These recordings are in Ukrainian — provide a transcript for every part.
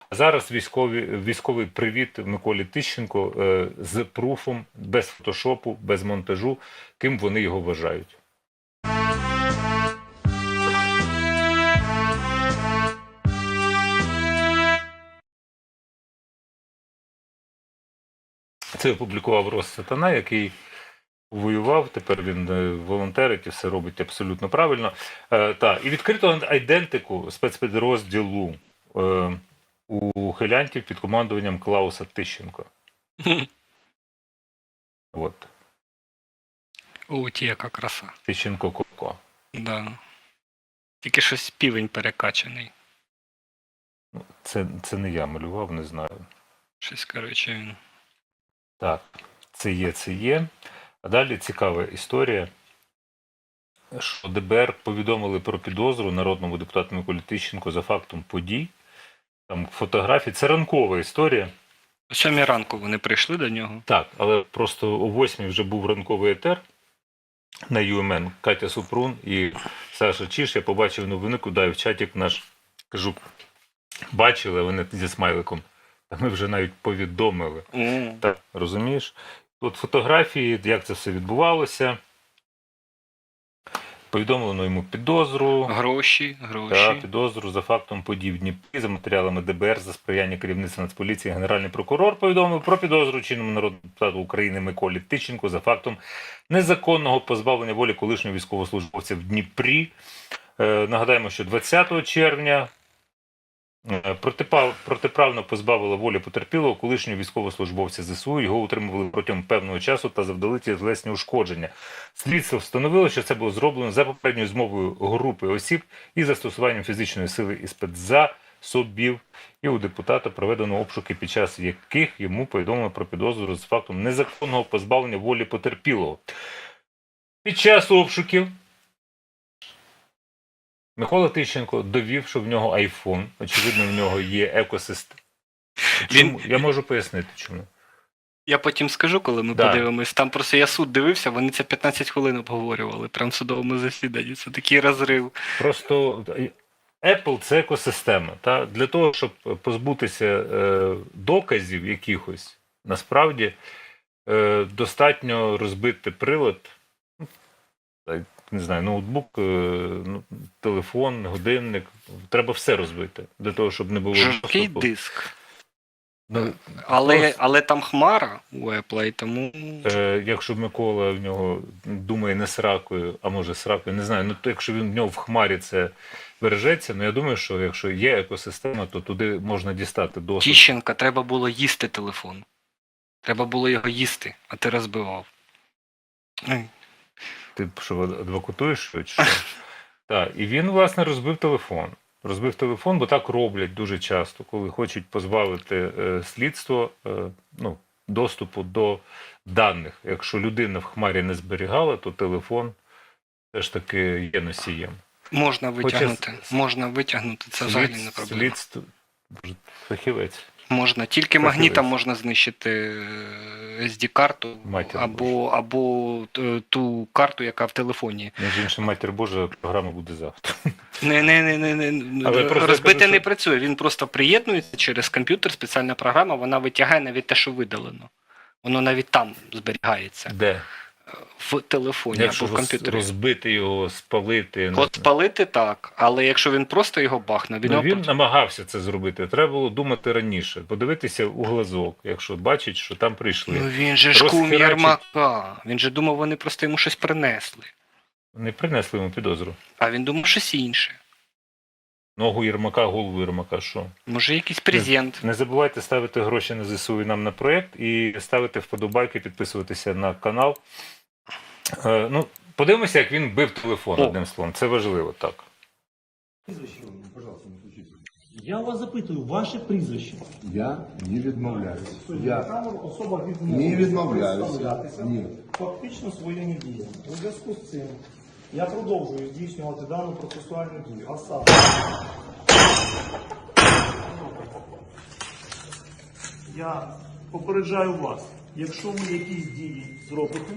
А зараз військовий привіт Миколі Тищенко з пруфом, без фотошопу, без монтажу, ким вони його вважають. Це опублікував Россатана, який воював, тепер він волонтерить і все робить абсолютно правильно. І відкрито айдентику спецпідрозділу у хилянтів під командуванням Клауса Тищенко. От. О, ті, яка краса. Тищенко Коко. Да. Тільки щось півень перекачаний. Це не я малював, не знаю. Щось, коротше, він. Так, це є. А далі цікава історія, що ДБР повідомили про підозру народному депутату Миколі Тищенко за фактом подій. Там фотографії. Це ранкова історія. О 7 ранку вони прийшли до нього. Так, але просто о 8 вже був ранковий етер на ЮМН. Катя Супрун і Саша Чіш. Я побачив новини, куди в чатик наш, кажу, бачили, вони зі смайликом. Та ми вже навіть повідомили. Так, розумієш? Тут фотографії, як це все відбувалося. Повідомлено йому підозру. Гроші. Так, підозру за фактом подій в Дніпрі, за матеріалами ДБР, за сприяння керівництва Нацполіції, Генеральний прокурор повідомив про підозру чинному народному депутату України Миколі Тищенку за фактом незаконного позбавлення волі колишнього військовослужбовця в Дніпрі. Нагадаємо, що 20 червня протиправно позбавила волі потерпілого колишнього військовослужбовця ЗСУ. Його утримували протягом певного часу та завдали тілесні ушкодження. Слідство встановило, що це було зроблено за попередньою змовою групи осіб і застосуванням фізичної сили і спецзасобів. І у депутата проведено обшуки, під час яких йому повідомлено про підозру з фактом незаконного позбавлення волі потерпілого. Під час обшуків Микола Тищенко довів, що в нього айфон. Очевидно, в нього є екосистема. Я можу пояснити, чому. Я потім скажу, коли ми подивимось. Там просто я суд дивився, вони це 15 хвилин обговорювали. Прям в судовому засіданні. Це такий розрив. Просто Apple – це екосистема. Та? Для того, щоб позбутися доказів якихось, насправді, достатньо розбити прилад, не знаю, ноутбук, телефон, годинник. Треба все розбити, для того, щоб не було... Жорсткий диск. Але там хмара у Apple, і тому... Якщо Микола в нього думає не сракою, а може сракою, не знаю, то якщо він в нього в хмарі це бережеться, я думаю, що якщо є екосистема, то туди можна дістати доступ. Тищенка треба було їсти телефон. Треба було його їсти, а ти розбивав. Ти що, адвокатуєш? Що? Так, і він, власне, розбив телефон. Розбив телефон, бо так роблять дуже часто, коли хочуть позбавити слідство доступу до даних. Якщо людина в хмарі не зберігала, то телефон теж таки є носієм. Можна витягнути, це взагалі не проблема. Слідство, фахівець. Можна, тільки магнітом можна знищити SD-карту або ту карту, яка в телефоні. Між іншим, матір Божа, програма буде завтра. Розбити не працює, він просто приєднується через комп'ютер, спеціальна програма, вона витягає навіть те, що видалено. Воно навіть там зберігається. Де? В телефоні або в комп'ютері. Якщо розбити його, спалити... От спалити так, але якщо він просто його бахне... Він намагався це зробити. Треба було думати раніше, подивитися у глазок, якщо бачить, що там прийшли. Він же ж кум Єрмака. Він же думав, вони просто йому щось принесли. Не принесли йому підозру. А він думав щось інше. Ногу Єрмака, голову Єрмака, що? Може якийсь презент. Не забувайте ставити гроші на ЗСУ і нам на проєкт, і ставити вподобайки, підписуватися на канал. Подивимося, як він бив телефон, одним словом. Це важливо, так. Я вас запитую, ваше прізвище. Я не відмовляюсь. Особа не відмовляюсь. Ні. Фактично своїми діями. У зв'язку з цим я продовжую здійснювати дану процесуальну дію. А саме, я попереджаю вас, якщо ви якісь дії зробите,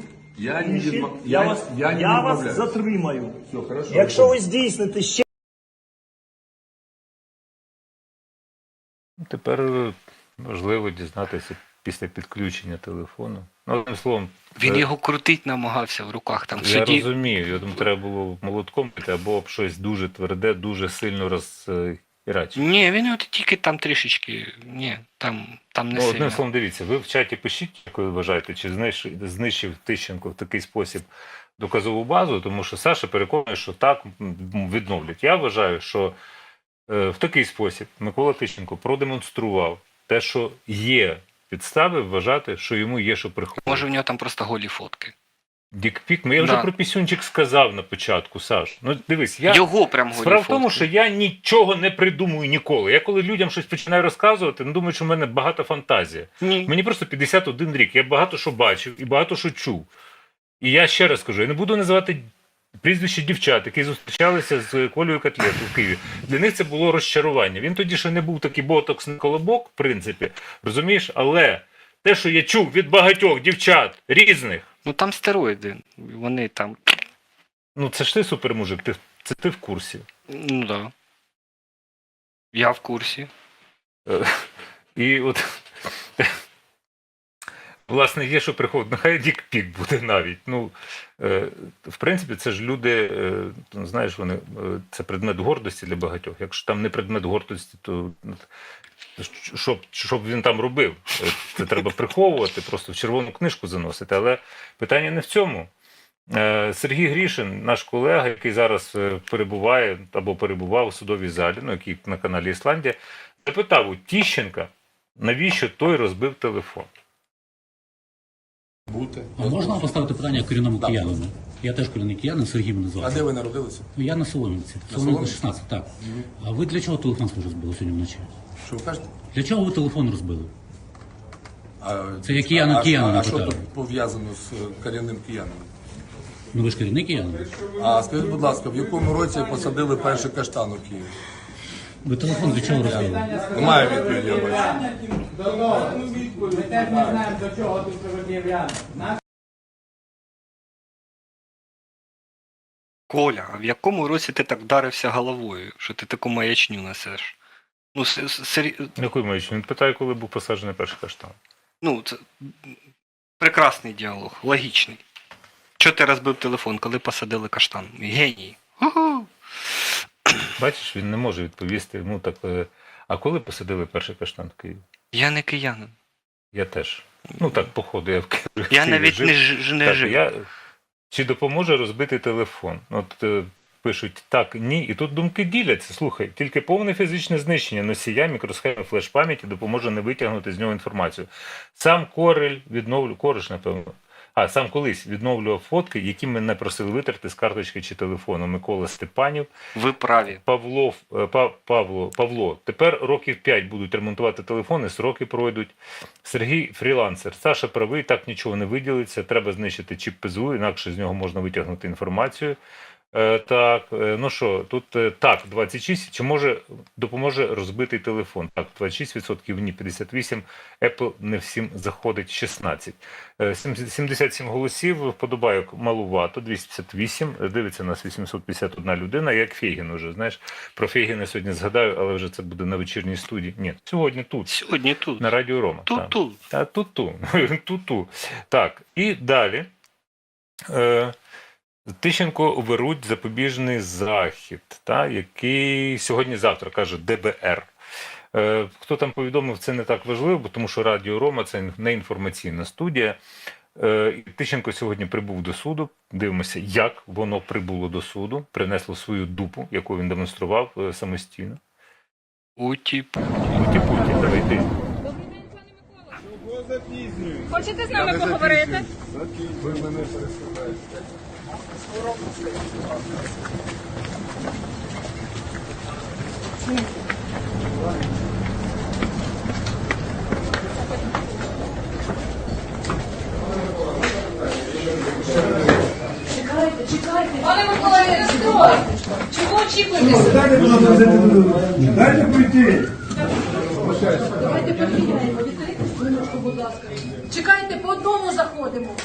я вас затримаю. Все, хорошо. Якщо ви здійсните ще тепер важливо дізнатися після підключення телефону. Ну, одним словом, Він його крутить намагався в руках там в я суді. розумію, я думаю, треба було молотком бити або об щось дуже тверде, дуже сильно розірачити. Ні, він його тільки там трішечки. Ні, там не Ну, сильно. одним словом, дивіться, ви в чаті пишіть, як ви вважаєте, чи знищив Тищенко в такий спосіб доказову базу, тому що Саша переконує, що так відновлять. Я вважаю, що в такий спосіб Микола Тищенко продемонстрував те, що є підстави вважати, що йому є що приховувати. Може, в нього там просто голі фотки. Дікпік, я вже Да. про пісюнчик сказав на початку, Саш. Ну, дивись, я... Його прям голі Справа в фотки. тому, що я нічого не придумую ніколи. Я коли людям щось починаю розказувати, думаю, що в мене багата фантазія. Ні. Мені просто 51 рік, я багато що бачив і багато що чув. І я ще раз кажу, я не буду називати прізвище дівчат, які зустрічалися з Колею Котлетою в Києві. Для них це було розчарування. Він тоді ще не був такий ботоксний колобок, в принципі, розумієш? Але те, що я чув від багатьох дівчат різних, Ну там стероїди. Вони там. ну це ж ти супермужик, це ти в курсі. Ну да. Я в курсі. І от, власне, є що приходить. Нехай дікпік буде навіть. Ну, в принципі, це ж люди, знаєш, вони, це предмет гордості для багатьох. Якщо там не предмет гордості, то щоб він там робив? Це треба приховувати, просто в червону книжку заносити. Але питання не в цьому. Сергій Грішин, наш колега, який зараз перебуває або перебував у судовій залі, ну, який на каналі Ісландія, запитав у Тищенка, навіщо той розбив телефон. А можна поставити питання корінному Так. киянину? Я теж корінний киянин, Сергій мене А звати. де ви народилися? Ну, я на Солом'янці. На Солом'янка Солом'янці? 16, так. А ви для чого телефон свій розбили сьогодні вночі? Що ви кажете? Для чого ви телефон розбили? А, Це я киянина а що питаю. тут пов'язано з корінним киянином? Ну ви ж корінний киянин. А скажіть, будь ласка, в якому році посадили перший каштан у Києві? Ви телефон для чого розбили? Немає відповіді, я бачу. Ми теж не знаємо, до чого тут пред'являємо. Коля, а в якому році ти так вдарився головою, що ти таку маячню несеш? Ну, Який маючи? Він питає, коли був посаджений перший каштан. ну, це прекрасний діалог, логічний. Чого ти розбив телефон, коли посадили каштан? Геній. Угу. Бачиш, він не може відповісти. Ну, так, а коли посадили перший каштан в Києві? Я не киянин. Я теж. Ну так, походу, я в Києві. Я навіть не Так, жив. Чи допоможе розбити телефон? От пишуть так, ні. І тут думки діляться. Слухай, тільки повне фізичне знищення носія, мікросхеми флеш-пам'яті допоможе не витягнути з нього інформацію. Сам Кореш, напевно. Сам колись відновлював фотки, які мене просили витерти з карточки чи телефону. Микола Степанів. Ви праві. Павло, тепер років 5 будуть ремонтувати телефони, сроки пройдуть. Сергій фрілансер. Саша правий, так нічого не виділиться. Треба знищити чіп ПЗУ, інакше з нього можна витягнути інформацію. Так, ну що, тут так, 26, чи допоможе розбитий телефон? Так, 26%, ні, 58%, Apple не всім заходить, 16%. 77 голосів, вподобайок малувато, 258, дивиться нас 851 людина, як Фейгін уже, знаєш, про Фейгіна сьогодні згадаю, але вже це буде на вечірній студії. Ні, сьогодні тут. Сьогодні тут. На Радіо Рома. Тут. Так, і далі. Тищенко оберуть запобіжний захід, який сьогодні-завтра, каже ДБР. Хто там повідомив, це не так важливо, бо тому що Радіо Рома – це не інформаційна студія. Тищенко сьогодні прибув до суду. Дивимося, як воно прибуло до суду, принесло свою дупу, яку він демонстрував самостійно. Уті-путі, давай ти. Хочете з нами поговорити? Ви мене переслухаєте. Пане Микола, не розстройте. Чого очікуєте? Дайте пройти. Давайте поміняємо. Відкрийте хвилиночку, будь ласка. Чекайте, по одному заходимо.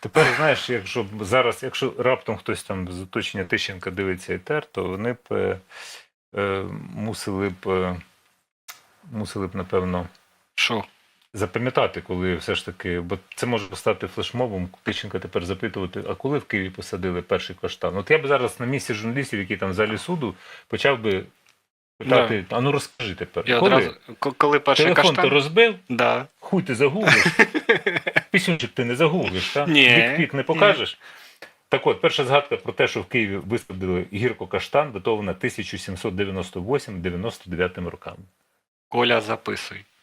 Тепер, знаєш, якщо зараз, якщо раптом хтось там з оточення Тищенка дивиться ІТР, то вони б мусили б, напевно, Що? запам'ятати, коли все ж таки, бо це може стати флешмобом, Тищенка тепер запитувати, а коли в Києві посадили перший каштан? От я б зараз на місці журналістів, які там в залі суду, почав би питати, а ну розкажи тепер, Я коли? одразу, коли перший Телефон ти каштан? розбив? Да. Хуй ти загуглиш? Пісюнчик ти не загуглиш, так? Ні. Вік не покажеш? Так от, перша згадка про те, що в Києві висадили гірко-каштан, датована 1798-99 роками. Коля, записуй.